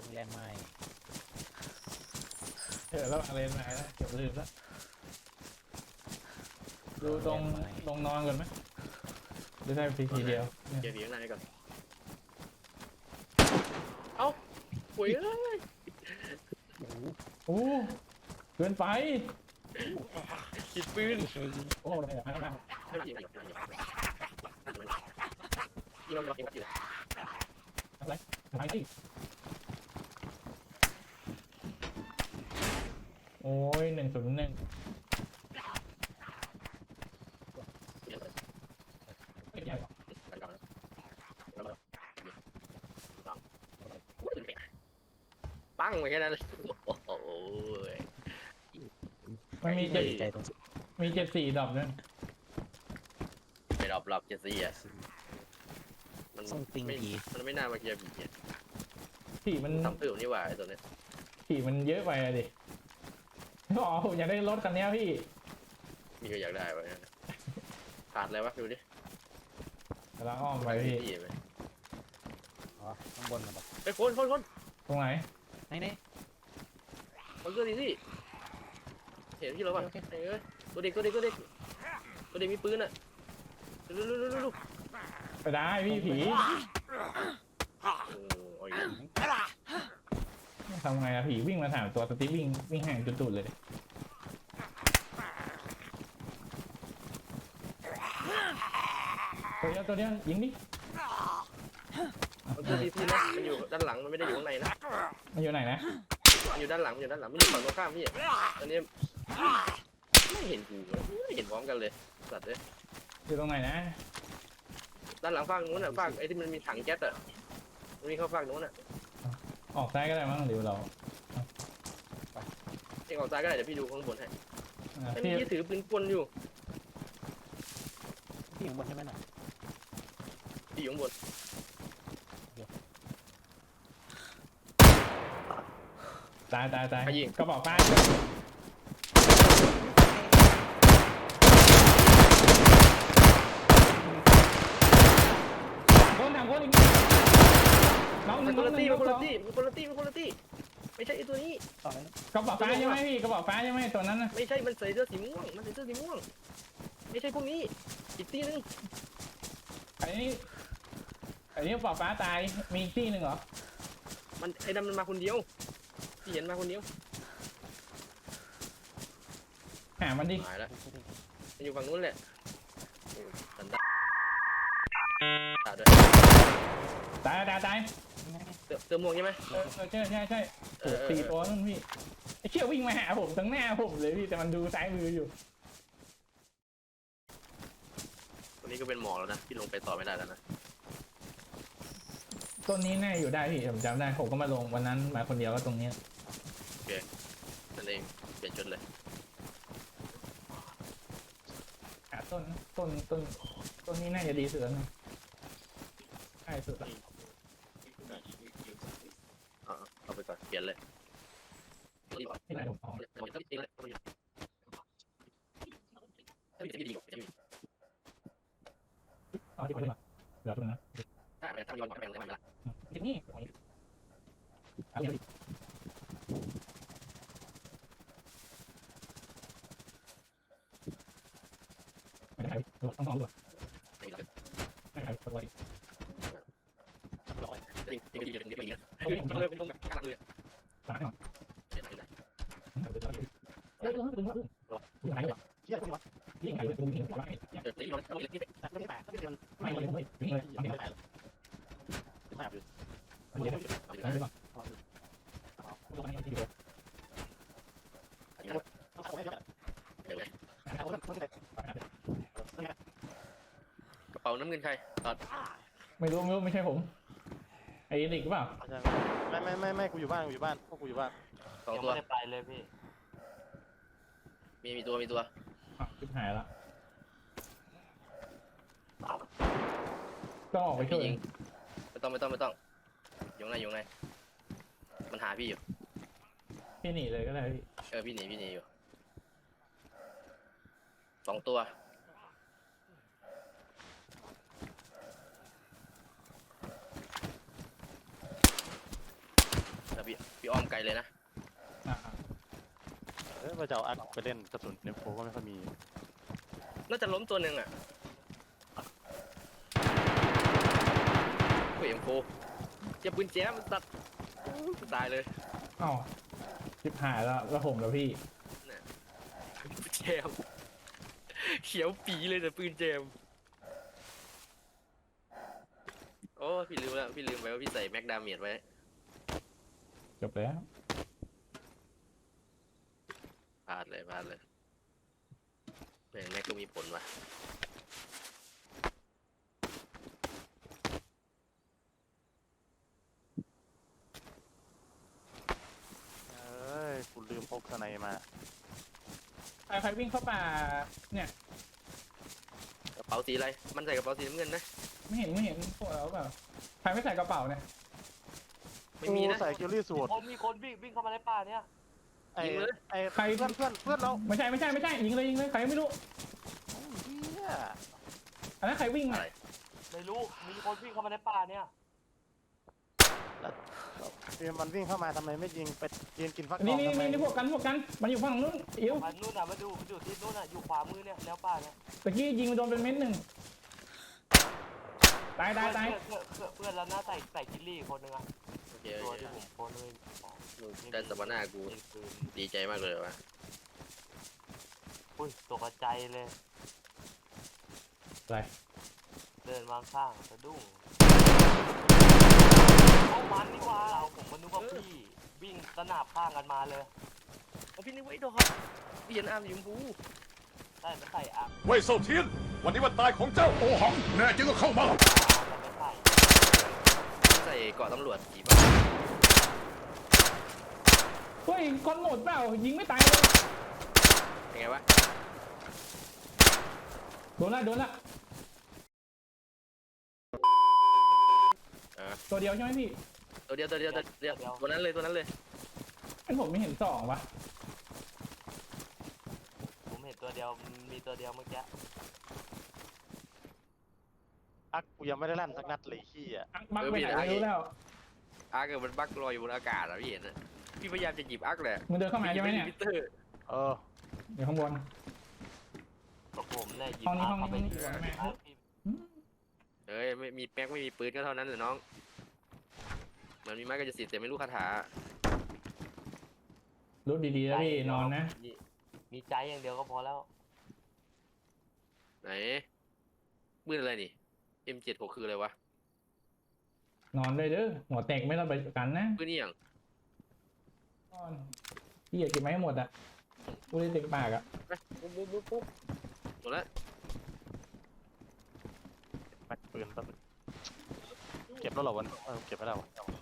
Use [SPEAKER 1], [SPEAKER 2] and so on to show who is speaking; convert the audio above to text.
[SPEAKER 1] แรงไม้
[SPEAKER 2] แล้วอะไรมาแล้วเกือบลืมแล้วดูตรงนอนก่อนไหมหรือได้ทีเดียว
[SPEAKER 3] เก็บผีข้างในก่อนเอ้าปุ๋ยเอ้ย
[SPEAKER 2] โอ้เกินไป
[SPEAKER 3] ติดปืน
[SPEAKER 2] โอ้อะไรอะ
[SPEAKER 3] ไม่ยิงยิงเรายิงอยู่
[SPEAKER 2] อะไรอะไรที่โอ้ย101
[SPEAKER 3] ปั้งไปแค่นั้นเลยโอ้ย
[SPEAKER 2] มันมี74ดอกด้วย
[SPEAKER 3] ไปรอบเจสซี่อ่ะมัน
[SPEAKER 1] ส่งปิงผี
[SPEAKER 3] มันไม่น่ามาเกียร์ผีอ่ะ
[SPEAKER 2] ผีมัน
[SPEAKER 3] ทำตื่นนี่หว่าไอ้ตัวเนี้ย
[SPEAKER 2] ผีมันเยอะไปอะดิอ๋อผมอยากได้รถคันนี้พี่
[SPEAKER 3] มีก็อยากได้ไว้ขาดอะไรวะดูดิ
[SPEAKER 2] กำลังอ้อมไปพี่
[SPEAKER 1] อ๋อข้างบนนะบอก
[SPEAKER 3] ไปคน
[SPEAKER 2] ตรงไหน
[SPEAKER 1] ไหน
[SPEAKER 3] มันก็ดีสิเห็นที่เราป่ะเอ้ยตัวเด็กมีปืนอ่ะลูก
[SPEAKER 2] ไปได้พี่ผีทำไงอะผีวิ่งมาถามตัวสติ๊กวิ่งห่างจนตุดเลยตัวเดียวยิงดิ
[SPEAKER 3] มันคือดีนะมันอยู่ด้านหลังมันไม่ได้อยู่ข้างในนะ
[SPEAKER 2] มันอยู่ไหนนะ
[SPEAKER 3] มันอยู่ด้านหลังมันอยู่ฝั่งตรงข้ามพี่ตอนนี้ไม่เห็นกูไม่เห็นพร้อมกันเลยสัตว์เลย
[SPEAKER 2] อยู่ตรงไหนนะ
[SPEAKER 3] ด้านหลังฝั่งนู้นอ่ะฝั่งไอ้ที่มันมีถังแก๊สอ่ะมันมีเข้าฝั่งนู้นอ่ะ
[SPEAKER 2] ออกซ้ายก็ได้มั้งหรือเรา
[SPEAKER 3] เองออกซ้ายก็ได้เดี๋ยวพี่ดูข้างบนให้ไอ้
[SPEAKER 2] พี่
[SPEAKER 3] พี่ถือปืนกลอยู่
[SPEAKER 1] พี่อยู่บนใช่ไหมน่ะ
[SPEAKER 3] พี่อยู่ข้างบน
[SPEAKER 2] ตายกระบอกป้าคนทางคนอีกน้อง
[SPEAKER 3] มันคนละตี้ไม่ใช่ไอ้ตัวนี้
[SPEAKER 1] ต่อเลย
[SPEAKER 2] กระบอกฟ้าใช่ไหมพี่กระบอกฟ้าใช่ไหมตัวนั้นนะ
[SPEAKER 3] ไม่ใช่มันใส่เสื้อสีม่วงไม่ใช่พวกนี้อีกตี้นึง
[SPEAKER 2] อันนี้กระบอกฟ้าตายมีอีกที่หนึ่งเหรอ
[SPEAKER 3] มันไอ้ดำมันมาคนเดียวพี่เห็นมาคนเดียว
[SPEAKER 2] หามันดิ
[SPEAKER 3] หายแล้วมันอยู่ฝั่งนู้นแหละสันดาด้วย
[SPEAKER 2] ตาย
[SPEAKER 3] เติมม่วงใช่ไหม
[SPEAKER 2] ใช่4 ตัวนั่นพี่ไอ้เชี่ยวิ่งมาหาผมตั้งหน้าผมเลยพี่แต่มันดูซ้ายมืออยู่
[SPEAKER 3] วันนี้ก็เป็นหมอกแล้วนะที่ลงไปต่อไม่ได้แล้วนะ
[SPEAKER 2] ต้นนี้แน่อยู่ได้พี่ผมจำได้ผมก็มาลงวันนั้นมาคนเดียวก็ตรงนี้
[SPEAKER 3] โอเคนั่นเองเปลี่ยนชุดเลย
[SPEAKER 2] หาต้นนี้น่าจะดีสุดแล้วนะใช่สุดละ
[SPEAKER 3] เอาไปก่อนเปลี่ยนเลย
[SPEAKER 2] ที่ไหนผมเอาเอาที่ไปดีกว่าเดี๋ยวตรงนั้นที่นี่เอาเดี๋ยวไม่ได้ต้องเอาด้วยไม่ได้ตัวอีกตายหน่อยเรื่องถึงว่าไหนวะยิ่งไหนเลยดูเห็นว่าไม่เลยไม่ถึงเลยไม่ได้ไม่ได้ไม่ได้
[SPEAKER 3] กระเป๋าน้ำเงินใครตอด
[SPEAKER 2] ไม่รู้ไม่ใช่ผมไอ้เด็กหรือเปล่า
[SPEAKER 4] ไม่กูอยู่บ้านพวกกูอยู่บ้าน
[SPEAKER 3] สอง
[SPEAKER 5] ยัง
[SPEAKER 3] ตัว
[SPEAKER 5] ไม่ได้ไปเลยพี่
[SPEAKER 3] มีตัว
[SPEAKER 2] ชิบหายละต้องออกไปช่วย
[SPEAKER 3] ไม่ต้องอยู่ไหนมันหาพี่อยู่
[SPEAKER 2] พี่หนีเลยก็ได้พี่
[SPEAKER 3] พี่หนีอยู่สองตัวอ้อมไกลเลยนะ
[SPEAKER 2] อ่า
[SPEAKER 4] ว่าจะเอาอักไปเล่นกระสุนเนี่ยโฟก็ไม่ค่อยมี
[SPEAKER 3] น่าจะล้มตัวหนึ่งอ่ะโอ้ยเอ็มโฟอย่าปืนแจ๊มันตัดตายเลย
[SPEAKER 2] อ้าวชิบหายแล้วผมแล้วพี่
[SPEAKER 3] แจมเขียวปีเลยแต่ปืนแจมโอ้พี่ลืมแล้วพี่ลืมไปว่าพี่ใส่แม็กดาเมจไว้
[SPEAKER 2] จบแล้ว
[SPEAKER 3] พลาดเลยแม่งแม็กก็มีผลว่ะ
[SPEAKER 4] กูลืมพกสไนมา
[SPEAKER 2] ใครวิ่งเข้าป่าเนี่ย
[SPEAKER 3] กระเป๋าสีอะไรมันใส่กระเป๋าสีน้ำเงินนะ
[SPEAKER 2] ไม่เห็นพวกเราเปล่าใครไม่ใส่กระเป๋าเนี่ย
[SPEAKER 3] ไม่มีนะ
[SPEAKER 4] ใส่คิวรี่สูตร
[SPEAKER 5] มีคนวิ่งเข้ามาในป่าเนี่ย
[SPEAKER 4] ไอ้
[SPEAKER 3] ยิงเลย
[SPEAKER 4] ไอ้
[SPEAKER 2] ใคร
[SPEAKER 4] เพื่อนเรา
[SPEAKER 2] ไม่ใช่ยิงเลยใครไม่รู้
[SPEAKER 4] เฮีย
[SPEAKER 2] อันนั้นใครวิ่ง
[SPEAKER 3] อะ
[SPEAKER 2] อ่ะ
[SPEAKER 3] ไร
[SPEAKER 5] ไม่รู้มีคนวิ่งเข้ามาในป่าเนี่ย
[SPEAKER 4] มันวิ่งเข้ามาทำไมไม่ยิงไปยิงกินฟักท
[SPEAKER 2] นี่
[SPEAKER 4] องทำไม
[SPEAKER 2] พวกกันมันอยู่ฝั่งนู้นอิ๋ว
[SPEAKER 5] มันนู่นน่ะมันอยู่ที่นู่นน่ะอยู่ขวามือเนี่ยแนวป่าเนี่ย
[SPEAKER 2] ตะกี้ยิงโดนเป็นเม็ดหนึ่งตาย
[SPEAKER 5] เพื่อนแล้วหน้าใส่กิลลี่คนนึงอะ
[SPEAKER 3] โอเค
[SPEAKER 5] ตัวที่ผมโพสเลย
[SPEAKER 3] ได้สปาน่ากูดีใจมากเลยว่ะ
[SPEAKER 5] อุ้ยตกใจเลย
[SPEAKER 2] อะไร
[SPEAKER 5] เดินมาข้างสะดุ้งเอามันนี่ว่าผมก็นึกว่าพี่วิ่งสนับข้างกันมาเลย
[SPEAKER 3] เอาพี่นึกไว้ดอกเปลี่ยนอาร์มยิมบู
[SPEAKER 5] ได้ไม่ใส่อ่ะ
[SPEAKER 6] เว่ยเซาเทียน วันนี้วันตายของเจ้าโอหัง แน่จริงก็เข้ามา
[SPEAKER 5] มันไม่ใส่
[SPEAKER 3] ใส่เกาะตำรวจกี่บ้า
[SPEAKER 2] เฮ้ยคนหมดเปล่ายิงไม่ตายเลย
[SPEAKER 3] เป็นไงวะ
[SPEAKER 2] โดนละตัวเดียวใช่ไหมพี่
[SPEAKER 3] ตัวเดียวตัวนั้นเลย
[SPEAKER 2] เป็นผมไม่เห็นสองวะ
[SPEAKER 5] ผมเห็นตัวเดียวมีตัวเดียวเมื่อกี้
[SPEAKER 4] อักกูยังไม่ได้ลั่นสักนัดเลยขี้อ่ะ
[SPEAKER 2] บักไปไหนไม่รู้แล้ว
[SPEAKER 3] อาร์เกิดมันบักลอยอยู่บนอากาศอะพี่เห็นนะพี่พยายามจะหยิบอาร์กแหละ
[SPEAKER 2] มึงเดินเข้ามาใช่ไหมเนี่ย
[SPEAKER 3] มิเตอร์
[SPEAKER 2] เดี๋ยวข้างบน
[SPEAKER 5] ก็ผมเนี่ยหยิบ
[SPEAKER 2] ห้องนี้
[SPEAKER 5] เข้าไป
[SPEAKER 2] ห้องนี้
[SPEAKER 5] ที่
[SPEAKER 2] ห้องนี้
[SPEAKER 3] เฮ้ยไม่มีแม็กไม่มีปืนก็เท่านั้นเลยน้องมันมีไม้ก็จะสิทธิ์แต่ไม่รู้คาถา
[SPEAKER 2] รู้ดีๆแล้วพี่นอนนะ
[SPEAKER 5] มีใจอย่างเดียวก็พอแล้ว
[SPEAKER 3] ไหนปืนอะไรนี่ M76 คืออะไรวะ
[SPEAKER 2] นอนเลยเด้อหัวแตกไม่ต้องไปกันนะ
[SPEAKER 3] ปืนนี่อย่าง
[SPEAKER 2] นอนพี่อย่าเก็บไม้ให้หมดอ่ะกูได้เต็มปากอ่ะ
[SPEAKER 3] ปุ๊บหมดแล้ว
[SPEAKER 4] แม็กปืนแป๊บนึงเก็บแล้วเหรอวันเก็บไปแล้ว